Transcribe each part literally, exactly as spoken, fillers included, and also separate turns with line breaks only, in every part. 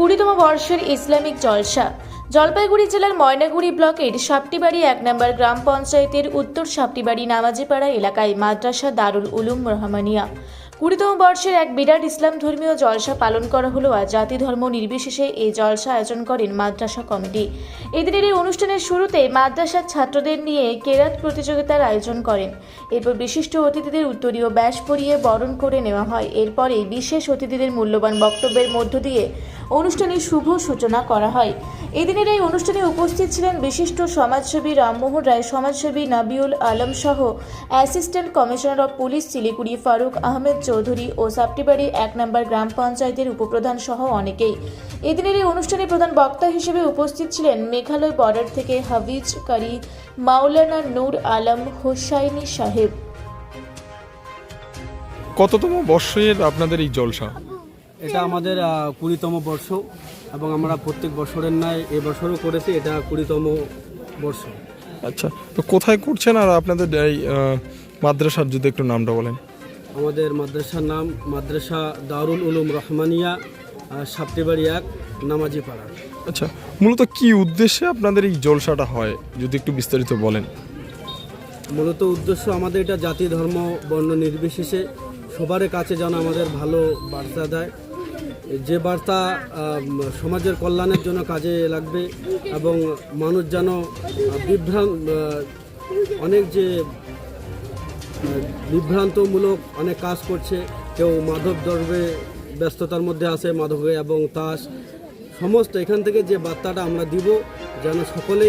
কুড়িতম বর্ষের ইসলামিক জলসা। জলপাইগুড়ি জেলার ময়নাগুড়ি ব্লকের সাপটিবাড়ি এক নম্বর গ্রাম পঞ্চায়েতের উত্তর সাপটিবাড়ি নামাজিপাড়া এলাকায় মাদ্রাসা দারুল উলুম রহমানিয়া কুড়িতম বর্ষের এক বিরাট ইসলাম ধর্মীয় জলসা পালন করা হলো। আর জাতি ধর্ম নির্বিশেষে এই জলসা আয়োজন করেন মাদ্রাসা কমিটি। এদিনের এই অনুষ্ঠানের শুরুতে মাদ্রাসার ছাত্রদের নিয়ে কেরাত প্রতিযোগিতার আয়োজন করেন। এরপর বিশিষ্ট অতিথিদের উত্তরীয় ব্যাস পরিয়ে বরণ করে নেওয়া হয়। এরপরে বিশেষ অতিথিদের মূল্যবান বক্তব্যের মধ্য দিয়ে অনুষ্ঠানের শুভ সূচনা করা হয়। এদিনের এই অনুষ্ঠানে উপস্থিত ছিলেন বিশিষ্ট সমাজসেবী রামমোহন রায়, সমাজসেবী নাবিউল আলম সহ assistant commissioner of police Siliguri Faruk Ahmed Chowdhury ও সাপটিবাড়ি এক নম্বর গ্রাম পঞ্চায়েতের উপপ্রধান সহ অনেকেই। এদিনের এই অনুষ্ঠানে প্রধান বক্তা হিসেবে উপস্থিত ছিলেন মেঘালয় বর্ডার থেকে হাফিজ কারি মাওলানা নূর আলম হোসাইনি সাহেব।
কততম বর্ষের আপনাদের এই জলসা?
এটা আমাদের কুড়িতম বর্ষ এবং আমরা প্রত্যেক বছরের ন্যায় এবছরও করেছি। এটা কুড়িতম বর্ষ।
আচ্ছা, তো কোথায় করছেন আর আপনাদের এই মাদ্রাসার যদি একটু নামটা বলেন?
আমাদের মাদ্রাসার নাম মাদ্রাসা দারুল উলুম রহমানিয়া, সাপটিবাড়ি এক নামাজিপাড়া।
আচ্ছা, মূলত কি উদ্দেশ্যে আপনাদের এই জলসাটা হয় যদি একটু বিস্তারিত বলেন?
মূলত উদ্দেশ্য আমাদের এটা জাতি ধর্ম বর্ণ নির্বিশেষে সবার কাছে যেন আমাদের ভালো বার্তা দেয়, যে বার্তা সমাজের কল্যাণের জন্য কাজে লাগবে এবং মানুষ যেন বিভ্রান্ত অনেক যে বিভ্রান্তমূলক অনেক কাজ করছে, কেউ মাদক দ্রব্যে ব্যস্ততার মধ্যে আছে, মাদকে এবং তাস সমস্ত এখান থেকে যে বার্তাটা আমরা দিব যেন সকলেই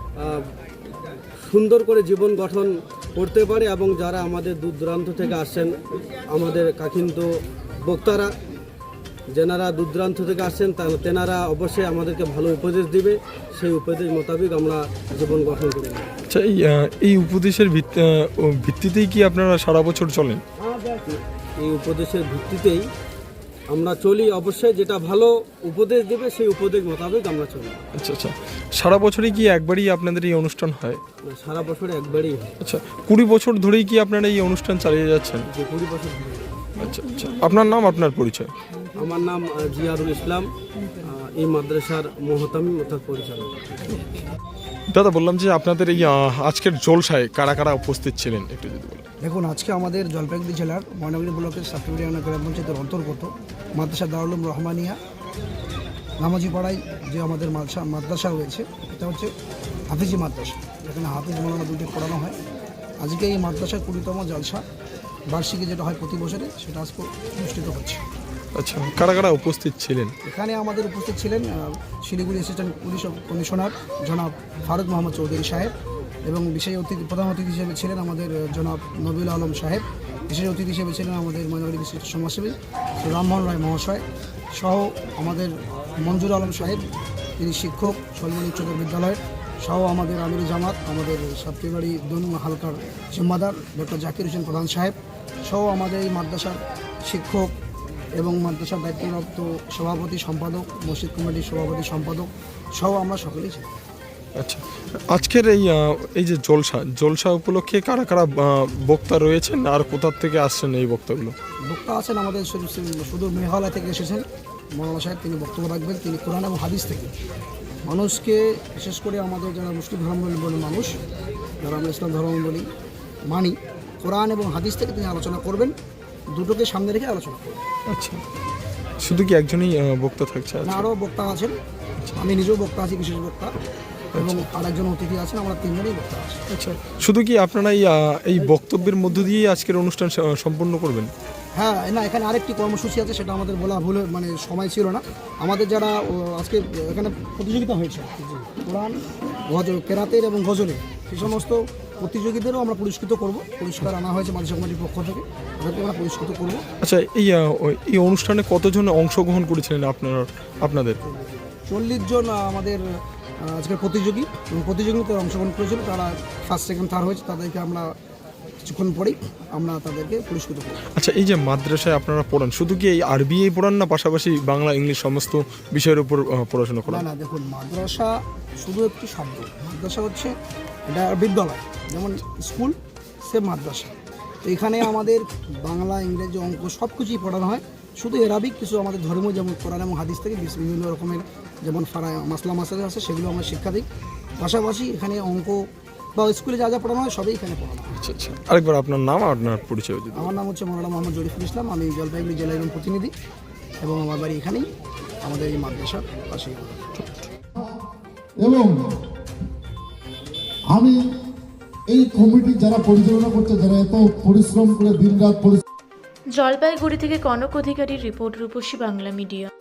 সুন্দর করে জীবন গঠন করতে পারে এবং যারা আমাদের দূর দূরান্ত থেকে আসছেন আমাদের কাকিন্তু বক্তারা, যেনারা দূর দূরান্ত থেকে আসছেন তেনারা অবশ্যই আমাদেরকে ভালো উপদেশ দিবে, সেই উপদেশ মোতাবেক আমরা জীবন গঠন করি।
আচ্ছা, এই এই উপদেশের ভিত্তিতেই কি আপনারা সারা বছর চলেন?
এই উপদেশের ভিত্তিতেই আমরা চলি, অবশ্যই যেটা ভালো উপদেশ দেবে সেই উপদেশ মোতাবেক আমরা চলি।
আচ্ছা আচ্ছা, সারা বছরই কি একবারই আপনাদের এই অনুষ্ঠান হয়?
সারা বছরে একবারই হয়।
আচ্ছা, কুড়ি বছর ধরেই কি আপনারা এই অনুষ্ঠান চালিয়ে যাচ্ছেন?
যে কুড়ি বছর ধরে।
আচ্ছা আচ্ছা, আপনার নাম, আপনার পরিচয়?
আমার নাম জিয়ারুল ইসলাম, এই মাদ্রাসার মোহতামিম অর্থাৎ পরিচালক।
দাদা, বললাম যে আপনাদের এই আজকের জলসায় কারা কারা উপস্থিত ছিলেন একটু যদি বলেন?
দেখুন, আজকে আমাদের জলপাইগুড়ি জেলার ময়নাগুড়ি ব্লকের সাপটিবাড়ি গ্রাম পঞ্চায়েতের অন্তর্গত মাদ্রাসা দারুল উলুম রহমানিয়া নামাজিপাড়ায় যে আমাদের মাদ্রাসা মাদ্রাসা রয়েছে, এটা হচ্ছে হাফিজি মাদ্রাসা, যেখানে হাফিজ মৌলানা দুটি পড়ানো হয়। আজকে এই মাদ্রাসার কুড়িতম জলসা বার্ষিকী যেটা হয় প্রতি বছরে, সেটা আজকে অনুষ্ঠিত হচ্ছে।
আচ্ছা, কারা কারা উপস্থিত ছিলেন?
এখানে আমাদের উপস্থিত ছিলেন শিলিগুড়ি অ্যাসিস্ট্যান্ট পুলিশ কমিশনার জনাব ফারুক মোহাম্মদ চৌধুরী সাহেব এবং বিশেষ অতিথি প্রধান অতিথি হিসেবে ছিলেন আমাদের জনাব নাবিউল আলম সাহেব। বিশেষ অতিথি হিসেবে ছিলেন আমাদের ময়নাগুড়ি বিশিষ্ট সমাজসেবী রামমোহন রায় মহাশয় সহ আমাদের মঞ্জুর আলম সাহেব, তিনি শিক্ষক সলমন উচ্চতর বিদ্যালয়ের, সহ আমাদের আমির জামাত আমাদের সাপটিবাড়ি দুই হালকার জিম্মাদার ডক্টর জাকির হোসেন প্রধান সাহেব, সহ আমাদের এই মাদ্রাসার শিক্ষক এবং মাদ্রাসার দায়িত্বপ্রাপ্ত সভাপতি সম্পাদক, মসজিদ কমিটির সভাপতি সম্পাদক সহ আমরা সকলেই ছিলাম।
আচ্ছা, আজকের এই এই যে জলসা জলসা উপলক্ষে কারা কারা বক্তা রয়েছেন আর কোথা থেকে আসছেন এই বক্তাগুলো?
বক্তা আছেন আমাদের সুদূর মেঘালয় থেকে এসেছেন মৌলানা সাহেব, তিনি বক্তব্য রাখবেন। তিনি কোরআন এবং হাদিস থেকে মানুষকে, বিশেষ করে আমাদের যারা মুসলিম ধর্মাবলম্বী মানুষ, যারা আমরা ইসলাম ধর্ম বলি মানি, কোরআন এবং হাদিস থেকে তিনি আলোচনা করবেন, দুটোকে সামনে রেখে আলোচনা করবেন।
আচ্ছা, শুধু কি একজনই বক্তা থাকছে?
না, আরও বক্তা আছেন, আমি নিজেও বক্তা আছি, বিশেষ বক্তা, এবং আরেকজন অতিথি আছেন, আমরা তিনজনই বক্তা আছি।
আচ্ছা, শুধু কি আপনারা এই এই বক্তব্যের মধ্য দিয়েই আজকের অনুষ্ঠান সম্পূর্ণ করবেন?
হ্যাঁ, না, এখানে আরেকটি কর্মসূচি আছে, সেটা আমাদের বলা ভুল, মানে সময় ছিল না। আমাদের যারা আজকে এখানে প্রতিযোগিতা হয়েছে কোরআন, গজল, কেরাতের এবং গজলের, সেই সমস্ত প্রতিযোগীদেরও আমরা পুরস্কৃত করব। পুরস্কার আনা হয়েছে মাদ্রাসা কমিটির পক্ষ থেকে, তাদেরকে আমরা পুরস্কৃত করব।
আচ্ছা, এই এই অনুষ্ঠানে কতজন অংশগ্রহণ করেছিলেন আপনারা? আপনাদের
চল্লিশ জন আমাদের আজকের প্রতিযোগী এবং প্রতিযোগিতায় অংশগ্রহণ করেছিল, তারা ফার্স্ট সেকেন্ড থার্ড হয়েছে, তাদেরকে আমরা কিছুক্ষণ পরেই আমরা তাদেরকে পুরস্কৃত করব।
আচ্ছা, এই যে মাদ্রাসায় আপনারা পড়ান, শুধু কি এই আরবি পড়ান না পাশাপাশি বাংলা ইংলিশ সমস্ত বিষয়ের উপর পড়াশোনা করেন?
না না, দেখুন, মাদ্রাসা শুধু একটি শব্দ। মাদ্রাসা হচ্ছে এটা বিদ্যালয়, যেমন স্কুল সে মাদ্রাসা। তো এখানে আমাদের বাংলা, ইংরেজি, অঙ্ক সব কিছুই পড়ানো হয়, শুধু এরাবিক কিছু আমাদের ধর্ম যেমন কোরআন এবং হাদিস থেকে বিভিন্ন রকমের যেমন ফারা মাসলা মাসালা আছে সেগুলো আমরা শিক্ষা দিই। পাশাপাশি এখানে অঙ্ক বা স্কুলে যা যা পড়ানো হয় সবই এখানে পড়ানো হয়।
আচ্ছা আচ্ছা আরেকবার আপনার নাম আর আপনার পরিচয় দিন।
আমার নাম হচ্ছে মৌলানা মোহাম্মদ জরিফুল ইসলাম, আমি জলপাইগুড়ি জেলা এবং প্রতিনিধি, এবং আমার বাড়ি এখানেই আমাদের এই মাদ্রাসার পাশেই।
এবং আমি এই কমিটি যারা পরিচালনা করছে, যারা এত পরিশ্রম করে দিনরাত পরিশ্রম
জলপাইগুড়ি থেকে কনক অধিকারীর রিপোর্ট, রূপসী বাংলা মিডিয়া।